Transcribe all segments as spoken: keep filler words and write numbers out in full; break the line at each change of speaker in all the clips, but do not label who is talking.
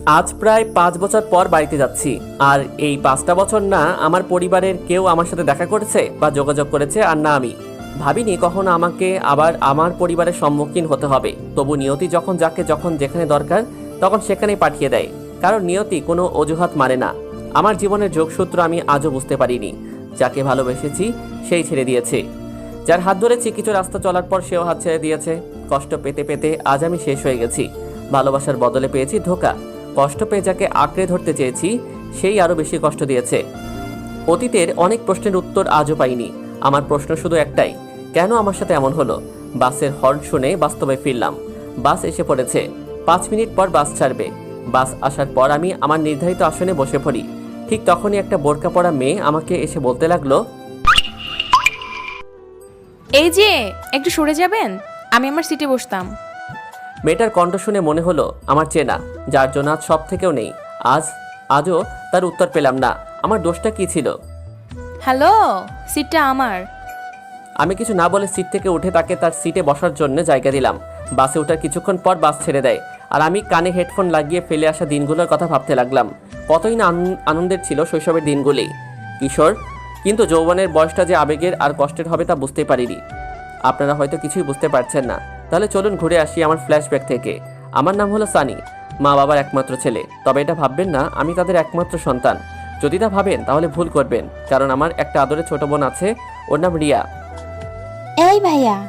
আজ প্রায় পাঁচ বছর পর বাড়িতে যাচ্ছি। আর এই পাঁচটা বছর না আমার পরিবারের কেউ আমার সাথে দেখা করেছে বা যোগাযোগ করেছে, আর না আমি। ভাবিনি কখনো আমাকে আবার আমার পরিবারের সম্মুখীন হতে হবে। তবু নিয়তি যখন যাকে যখন যেখানে দরকার তখন সেখানেই পাঠিয়ে দেয়। কারণ নিয়তি কোনো অজুহাত মানে না। আমার জীবনের যোগসূত্র আমি আজও বুঝতে পারিনি। যাকে ভালোবেসেছি সেই ছেড়ে দিয়েছে। যার হাত ধরেছি কিছু রাস্তা চলার পর সেও হাত ছেড়ে দিয়েছে। কষ্ট পেতে পেতে আজ আমি শেষ হয়ে গেছি। ভালোবাসার বদলে পেয়েছি ধোঁকা। কষ্ট পেয়ে যাকে আঁকড়ে ধরতে চেয়েছি সেই আরো বেশি কষ্ট দিয়েছে। অতীতের অনেক প্রশ্নের উত্তর আজও পাইনি। আমার প্রশ্ন শুধু একটাই, কেন আমার সাথে এমন হলো? বাসের হর্ন শুনে বাস্তবে ফিরলাম। বাস এসে পড়েছে। পাঁচ মিনিট পর বাস ছাড়বে। বাস আসার পর আমি আমার নির্ধারিত আসনে বসে পড়ি। ঠিক তখনই একটা বোরকা পরা মেয়ে আমাকে এসে বলতে লাগলো,
এই যে একটু সরে যাবেন, আমি আমার সিটে বসতাম।
মেয়েটার কণ্ঠ শুনে মনে হলো আমার চেনা, যার জন্য আজ সব থেকেও নেই। আজ আজও তার উত্তর পেলাম না। আমার দোষটা কি ছিল?
হ্যালো, সিটটা আমার।
আমি কিছু না বলে সিট থেকে উঠে তাকে তার সিটে বসার জন্য জায়গা দিলাম। বাসে ওঠার কিছুক্ষণ পর বাস ছেড়ে দেয়। আর আমি কানে হেডফোন লাগিয়ে ফেলে আসা দিনগুলোর কথা ভাবতে লাগলাম। কতই না আনন্দের ছিল শৈশবের দিনগুলি, কিশোর। কিন্তু যৌবনের বয়সটা যে আবেগের আর কষ্টের হবে তা বুঝতে পারিনি। আপনারা হয়তো কিছুই বুঝতে পারছেন না। তাহলে চলুন ঘুরে আসি আমার ফ্ল্যাশব্যাক থেকে। আমার নাম হলো সানি, মা বাবার একমাত্র ছেলে। তবে এটা ভাববেন না আমি তাদের একমাত্র সন্তান। যদি তা ভাবেন তাহলে ভুল করবেন, কারণ আমার একটা আদরের ছোট বোন আছে, ওর নাম রিয়া।
এই ভাইয়া,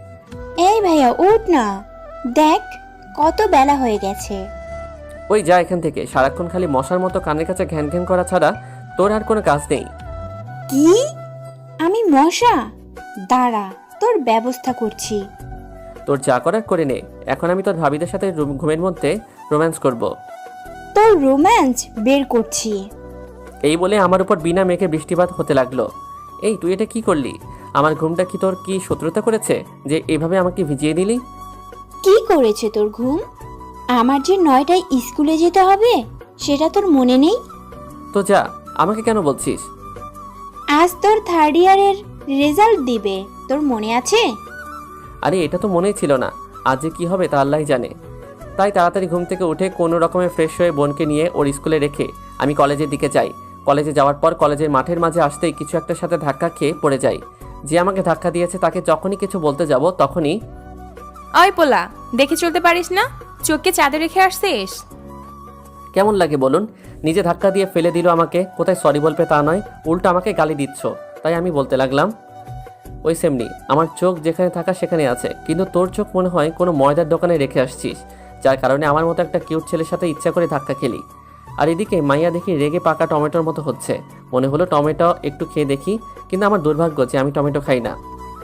এই ভাইয়া উঠ না, দেখ কত বেলা হয়ে গেছে।
ওই যা এখান থেকে, সারাক্ষণ খালি মশার মতো কানের কাছে ঘ্যান ঘ্যান করা ছাড়া তোর আর কোনো কাজ নেই।
কি? আমি মশা? দাঁড়া, তোর ব্যবস্থা করছি।
তোর যা করার করে নে। এখন আমি তোর ভাবিদের সাথে রুম- ঘুমের মধ্যে রোম্যান্স করব।
তোর রোম্যান্স বের করছি।
এই বলে আমার উপর বিনা মেঘে বৃষ্টিপাত হতে লাগলো। এই তুই এটা কি করলি? আমার ঘুমটা কি তোর কি শত্রুতা করেছে যে এভাবে আমাকে ভিজিয়ে দিলি?
কি করেছে তোর ঘুম? আমার যে নয়টায় স্কুলে যেতে হবে সেটা তোর মনে নেই?
তো যা, আমাকে কেন বলছিস?
আজ তোর থার্ড ইয়ারের রেজাল্ট দিবে, তোর মনে আছে?
আরে এটা তো মনেই ছিল না। আজ যে কি হবে তা আল্লাহই জানে। তাই তাড়াতাড়ি ঘুম থেকে উঠে কোনো রকমে ফ্রেশ হয়ে বোনকে নিয়ে ওর স্কুলে রেখে আমি কলেজের দিকে যাই। কলেজে যাওয়ার পর কলেজের মাঠের মাঝে আসতেই কিছু একটার সাথে ধাক্কা খেয়ে পড়ে যাই। যে আমাকে ধাক্কা দিয়েছে তাকে যখনই কিছু বলতে যাব তখনই,
ওই পোলা, দেখে চলতে পারিস না? চোখকে চাঁদে রেখে আসছিস?
কেমন লাগে বলুন? নিজে ধাক্কা দিয়ে ফেলে দিল আমাকে। কোথায় সরি বলবে তা নয়, উল্টো আমাকে গালি দিচ্ছ। তাই আমি বলতে লাগলাম, ওই সেমনি আমার চোখ যেখানে থাকা সেখানে আছে, কিন্তু তোর চোখ মনে হয় কোনো ময়দার দোকানে রেখে আসছিস, যার কারণে আমার মতো একটা কিউট ছেলের সাথে ইচ্ছা করে ধাক্কা খেলি। আর এদিকে মাইয়া দেখি রেগে পাকা টমেটোর মতো হচ্ছে। মনে হলো টমেটো একটু খেয়ে দেখি, কিন্তু আমার দুর্ভাগ্য যে আমি টমেটো খাই না।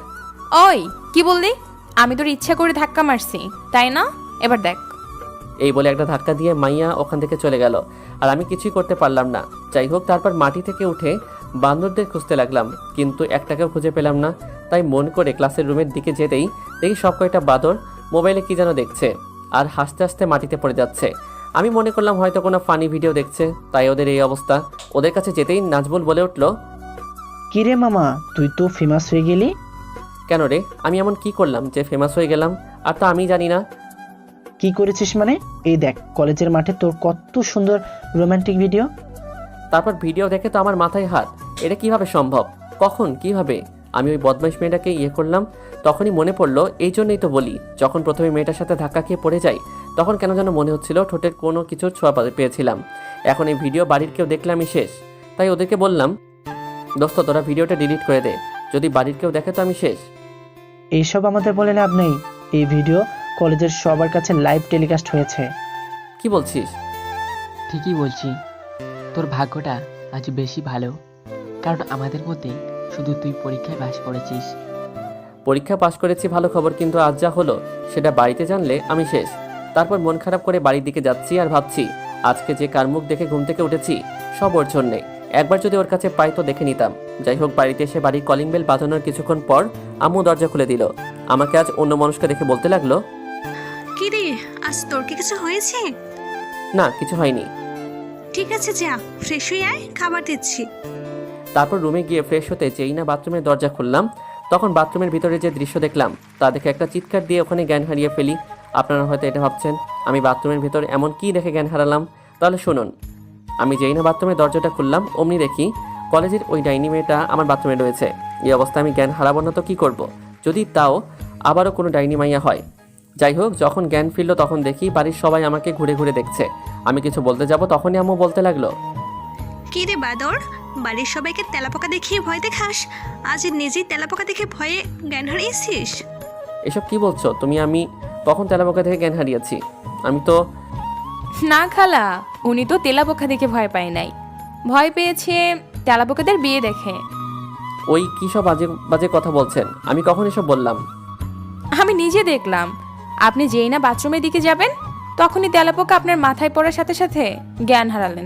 ওই কি বললি? আমি তোর ইচ্ছা করে ধাক্কা মারছি, তাই না? এবার দেখ।
এই বলে একটা ধাক্কা দিয়ে মাইয়া ওখান থেকে চলে গেল। আর আমি কিছুই করতে পারলাম না। যাই হোক, তারপর মাটি থেকে উঠে বান্দরদের খুঁজতে লাগলাম, কিন্তু একটাকেও খুঁজে পেলাম না। তাই মন করে ক্লাসের রুমের দিকে যেতেই দেখি সব কয়টা বাঁদর মোবাইলে কি যেন দেখছে আর হাসতে হাসতে মাটিতে পড়ে যাচ্ছে। আমি মনে করলাম হয়তো কোনো ফানি ভিডিও দেখছে, তাই ওদের এই অবস্থা। ওদের কাছে যেতেই নাজবুল বলে উঠল,
কিরে মামা, তুই তো ফেমাস হয়ে গেলি।
কেন রে, আমি এমন কি করলাম যে ফেমাস হয়ে গেলাম? আর তা আমি জানি না।
কি করেছিস মানে? এই দেখ, কলেজের মাঠে তোর কত সুন্দর রোমান্টিক ভিডিও।
তারপর ভিডিও দেখে তো আমার মাথায় হাত। এটা কিভাবে সম্ভব? কখন? কিভাবে? আমি ওই বদমাইশ মেয়েটাকে ইয়ে করলাম। তখনই মনে পড়লো, এই জন্যই তো বলি, যখন প্রথমে মেয়েটার সাথে ধাক্কা খেয়ে পড়ে যাই তখন কেন যেন মনে হচ্ছিল ঠোঁটের কোনো কিছুর ছোঁয়া পেয়েছিলাম। এখন এই ভিডিও বাড়ির কেউ দেখলে আমি শেষ। তাই ওদেরকে বললাম, দোস্ত তোরা ভিডিওটা ডিলিট করে দে, যদি বাড়ির কেউ দেখে তো আমি শেষ।
এইসব আমাদের বলে লাভ নেই। এই ভিডিও কলেজের সবার কাছে লাইভ টেলিকাস্ট হয়েছে।
কি বলছিস?
ঠিকই বলছি, তোর ভাগ্যটা আজ বেশি ভালো, কারণ আমাদের মধ্যে শুধু তুই পরীক্ষায় পাস করেছিস।
পরীক্ষা পাশ করেছি ভালো খবর, কিন্তু আজ যা হলো সেটা বাড়িতে জানলে আমি শেষ। তারপর মন খারাপ করে বাড়ির দিকে যাচ্ছি আর ভাবছি, আজকে যে কার মুখ দেখে ঘুম থেকে উঠেছি সব ওর জন্যে। একবার যদি ওর কাছে পাই তো দেখে নিতাম। যাই হোক, বাড়িতে এসে বাড়ির কলিং বেল বাজানোর কিছুক্ষণ পর আম্মু দরজা খুলে দিল। আমাকে আজ অন্য মানুষকে দেখে বলতে লাগলো,
কি রে, আজ তোর কি কিছু হয়েছে?
না কিছু হয়নি।
ঠিক আছে, যা ফ্রেশ হয়ে আয়, খাবার দিচ্ছি।
তারপর রুমে গিয়ে ফ্রেশ হতে যেই না বাথরুমের দরজা খুললাম, তখন বাথরুমের ভিতরে যে দৃশ্য দেখলাম তা দেখে একটা চিৎকার দিয়ে ওখানে জ্ঞান হারিয়ে ফেলি। আপনারা হয়তো এটা ভাবছেন, আমি বাথরুমের ভিতর এমন কি দেখে জ্ঞান হারালাম। তাহলে শুনুন, আমি যেই না বাথরুমের দরজাটা খুললাম অমনি দেখি কলেজের ওই ডাইনি মেয়েটা আমার বাথরুমে রয়েছে। এই অবস্থায় আমি জ্ঞান হারাবো না তো কী করব, যদি তাও আবারও কোনো ডাইনি মাইয়া হয়। যাই হোক, যখন জ্ঞান ফিরল তখন দেখি বাড়ির সবাই আমাকে ঘুরে ঘুরে দেখছে। আমি কিছু বলতে যাব তখনই আম্মু বলতে লাগলো,
কি রে বাদর, বাড়ির সবাইকে তেলাপোকা দেখিয়ে ভয় দেখাস, আজ নিজেই তেলাপোকা দেখে ভয়ে জ্ঞান হারিয়েছিস?
এসব কি বলছো তুমি? আমি কখন তেলাপোকা থেকে জ্ঞান হারিয়েছি? আমি তো
না খালা, উনি তো তেলাপোকা দেখে ভয় পায় নাই, ভয় পেয়েছে তেলাপোকাদের বিয়ে দেখে।
ওই কী সব বাজে বাজে কথা বলছেন? আমি কখন এসব বললাম?
আমি নিজে দেখলাম, আপনি যেই না বাথরুমের দিকে যাবেন তখনই তেলাপোকা আপনার মাথায় পড়ার সাথে সাথে জ্ঞান হারালেন।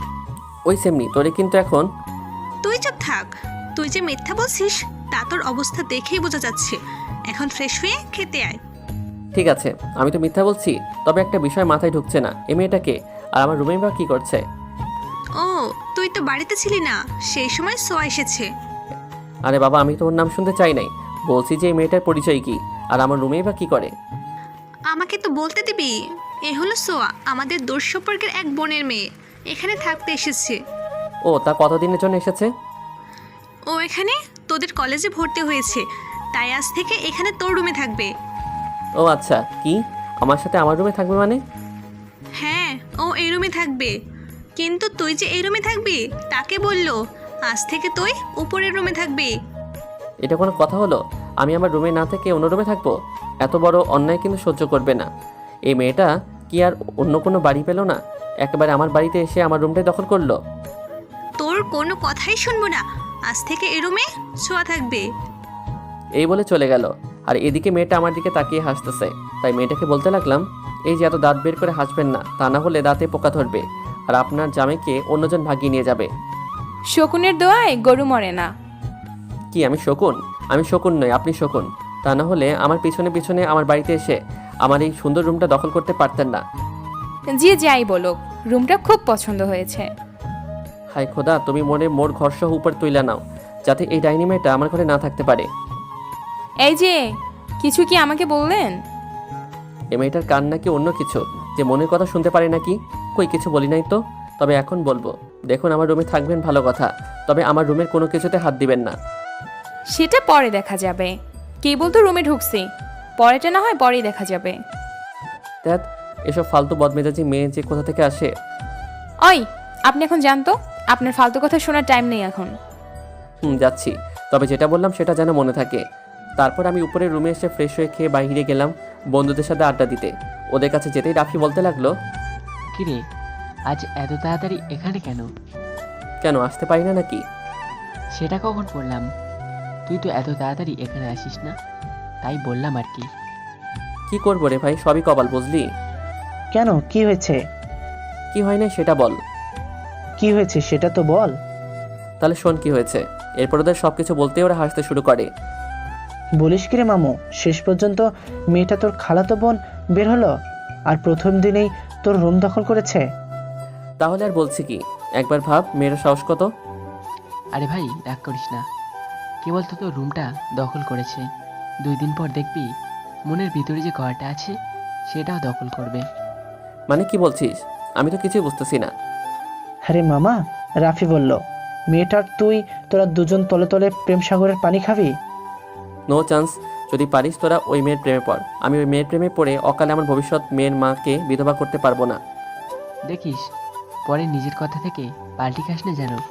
ওই সেমনি তোরে কিন্তু এখন।
তুই চুপ থাক, তুই যে মিথ্যা বলছিস তা তোর অবস্থা দেখেই বোঝা যাচ্ছে। এখন ফ্রেশ হয়ে খেতে আয়।
ঠিক আছে, আমি তো মিথ্যা বলছি, তবে একটা বিষয় মাথায় ঢুকছে না, এই মেয়েটাকে আর আমার রুমে বা কী করছে?
ও, তুই তো বাড়িতে ছিলি না, সেই সময় সোয়া এসেছে।
আরে বাবা, আমি তো ওর নাম শুনতে চাই নাই, বলছি যে এই মেয়েটার পরিচয় কি আর আমার রুমেই বা কী করে?
আমাকে তো বলতে দিবি। এ হলো সোয়া, আমাদের দূর সম্পর্কের এক বোনের মেয়ে, এখানে থাকতে এসেছে।
ও, তা কতদিনের জন্য এসেছে?
ও এখানে তোদের কলেজে ভর্তি হয়েছে, তাই আজ থেকে এখানে তোর রুমে থাকবে।
ও আচ্ছা, কি আমার সাথে আমার রুমে থাকবে মানে?
হ্যাঁ, ও এই রুমে থাকবে, কিন্তু তুই যে এই রুমে থাকবি তাকে বললো আজ থেকে তুই উপরের রুমে থাকবি।
এটা কোনো কথা হলো? আমি আমার রুমে না থেকে অন্য রুমে থাকবো? এত বড় অন্যায় কিন্তু সহ্য করবে না। এই মেয়েটা কি আর অন্য কোনো বাড়ি পেল না, একেবারে আমার বাড়িতে এসে আমার রুমটাই দখল করলো।
তোর কোনো কথাই শুনবো না, আজ থেকে এই রুমে শোয়া থাকবে।
এই বলে চলে গেল, আর এদিকে মেয়েটা আমার দিকে তাকিয়ে হাসতেছে। তাই মেয়েটাকে বলতে লাগলাম, এই যে এত দাঁত বের করে হাসবেন না, তা না হলে দাঁতে পোকা ধরবে আর আপনার জামাইকে অন্যজন ভাগিয়ে নিয়ে যাবে।
শকুনের দোয়ায় গরু মরে না।
কি আমি শকুন? আমি শকুন নই, আপনি শকুন। তা না হলে আমার পিছনে পিছনে আমার বাড়িতে এসে আমার এই সুন্দর রুমটা দখল করতে পারতেন না।
যে যাই বলো, রুমটা খুব পছন্দ হয়েছে।
হাই খোদা, তুমি মনে মোর ঘরসহ উপর তুইলা নাও, যাতে এই ডাইনি মেয়েটা আমার ঘরে না থাকতে পারে।
এই যে, কিছু কি আমাকে বললেন?
এই মেয়েটার কান নাকি অন্য কিছু, যে মনের কথা শুনতে পারে নাকি? কই কিছু বলি নাই তো, তবে এখন বলবো। দেখুন, আমার রুমে থাকবেন ভালো কথা, তবে আমার রুমের কোনো কিছুতে হাত দিবেন না।
সেটা পরে দেখা যাবে, কেবল তো রুমে ঢুকছি, পরেটা না হয় পরেই দেখা যাবে।
দেখ, এসব ফালতু বদমেজাজি মেয়ে যে কোথা থেকে আসে।
ওই, আপনি এখন জানতো, আপনার ফালতু কথা শোনার টাইম নেই এখন।
হুম, যাচ্ছি, তবে যেটা বললাম সেটা যেন মনে থাকে। তারপর আমি উপরের রুমে এসে ফ্রেশ হয়ে খেয়ে বাইরে গেলাম বন্ধুদের সাথে আড্ডা দিতে। ওদের কাছে যেতেই রাফি বলতে লাগলো,
কিরে, আজ এত তাড়াতাড়ি এখানে কেন?
কেন আসতে পারি না নাকি?
সেটা কখন বললাম? তুই তো এত তাড়াতাড়ি এখানে আসিস না, তাই বললাম আর কি।
কি করবো রে ভাই, সবই কপাল, বুঝলি?
কেন, কি হয়েছে?
কি হয় না সেটা বল।
কি হয়েছে সেটা তো বল।
তাহলে শোন কি হয়েছে। এরপর ওদের সব কিছু বলতে ওরা হাসতে শুরু করে।
বলিস কি রে মামু, শেষ পর্যন্ত মেয়েটা তোর খালাতো বোন বের হলো আর প্রথম দিনেই তোর রুম দখল করেছে?
তাহলে আর বলছি কি, একবার ভাব মেয়েরা সাহস কত।
আরে ভাই, রাগ করিস না, কেবল তো তোর রুমটা দখল করেছে, দুই দিন পর দেখবি মনের ভিতরে যে ঘরটা আছে সেটাও দখল করবে।
মানে কি বলছিস? আমি তো কিছুই বুঝতেছি না।
আরে মামা, রাফি বলল মেয়েটার তুই তোরা দুজন তলে তলে প্রেম সাগরের পানি খাবি।
No chance. যদি পারিস তোরা ওই মেয়ের প্রেমে পড়, আমি ওই মেয়ের প্রেমে পড়ে অকালে আমার ভবিষ্যৎ মেয়ের মাকে বিধবা করতে পারবো না।
দেখিস, পরে নিজের কথা থেকে পাল্টি খাস না যেন।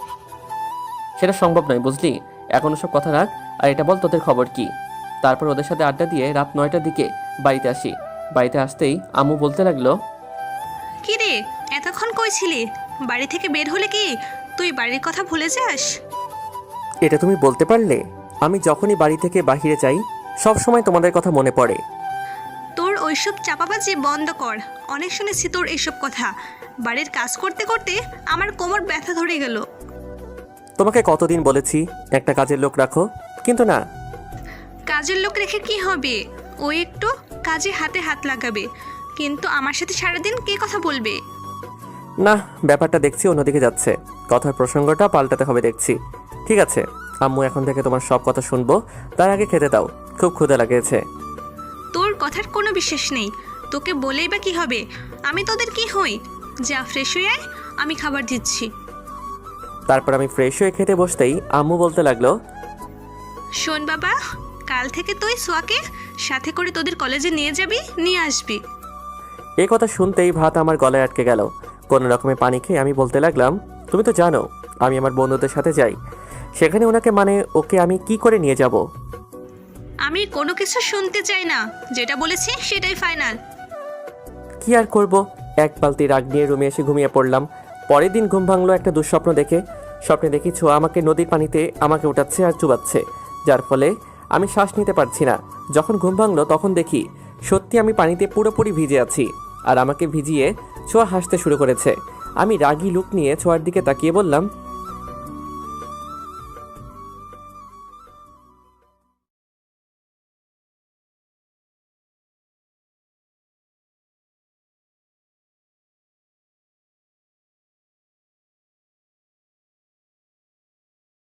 সেটা সম্ভব নয়, বুঝলি? এখন ওসব কথা রাখ, আর এটা বল তোদের খবর কি। তারপর ওদের সাথে আড্ডা দিয়ে রাত নয়টার দিকে বাড়িতে আসি। বাড়িতে আসতেই আম্মু বলতে লাগলো,
কি রে, এতক্ষণ কই ছিলি? বাড়ি থেকে বের হলে কি তুই বাড়ির কথা ভুলে যাস?
এটা তুমি বলতে পারলে? আমি যখনই বাড়ি থেকে বাহিরে যাই সব সময় তোমাদের কথা মনে পড়ে।
তোর ওইসব চাপাবাজি বন্ধ কর, অনেক শুনেছি তোর এইসব কথা। বাড়ির কাজ করতে করতে আমার কোমর ব্যথা ধরে গেল।
তোমাকে কতদিন বলেছি একটা কাজের লোক রাখো, কিন্তু না।
কাজের লোক রেখে কি হবে? ও একটু কাজে হাতে হাত লাগাবে, কিন্তু আমার সাথে সারাদিন কে কথা বলবে?
না, ব্যাপারটা দেখছি অন্যদিকে যাচ্ছে। কথার প্রসঙ্গটা পাল্টাতে হবে দেখছি। ঠিক আছে আম্মু, এখন থেকে তোমার সব কথা শুনবো, তার আগে খেতে দাও, খুব ক্ষুধা লাগেছে।
তোর কথার কোনো বিশ্বাস নেই, তোকে বলেই বা কি হবে? আমি তোদের কি হই? যা ফ্রেশ হয়ে আয়, আমি খাবার দিচ্ছি।
তারপর আমি ফ্রেশ হয়ে খেতে বসতেই আম্মু বলতে লাগলো,
শোন বাবা, কাল থেকে তুই সোয়াকে সাথে করে তোদের কলেজে নিয়ে যাবি, নিয়ে আসবি।
এই কথা শুনতেই ভাত আমার গলায় আটকে গেল। কোনো রকমে পানি খেয়ে আমি বলতে লাগলাম, তুমি তো জানো আমি আমার বন্ধুদের সাথে যাই, সেখানে ওনাকে মানে ওকে আমি কি করে নিয়ে যাব?
আমি কোনো কিছু শুনতে চাই না, যেটা বলেছি সেটাই ফাইনাল।
কি আর করব, এক বালতি রাগ নিয়ে রুমে এসে ঘুমিয়ে পড়লাম। পরের দিন ঘুম ভাঙলো একটা দুঃস্বপ্ন দেখে। স্বপ্নে দেখি ছোঁয়া আমাকে নদীর পানিতে আমাকে উঠাচ্ছে আর চুবাচ্ছে, যার ফলে আমি শ্বাস নিতে পারছি না। যখন ঘুম ভাঙলো তখন দেখি সত্যি আমি পানিতে পুরোপুরি ভিজে আছি, আর আমাকে ভিজিয়ে ছোঁয়া হাসতে শুরু করেছে। আমি রাগী লুক নিয়ে ছোঁয়ার দিকে তাকিয়ে বললাম,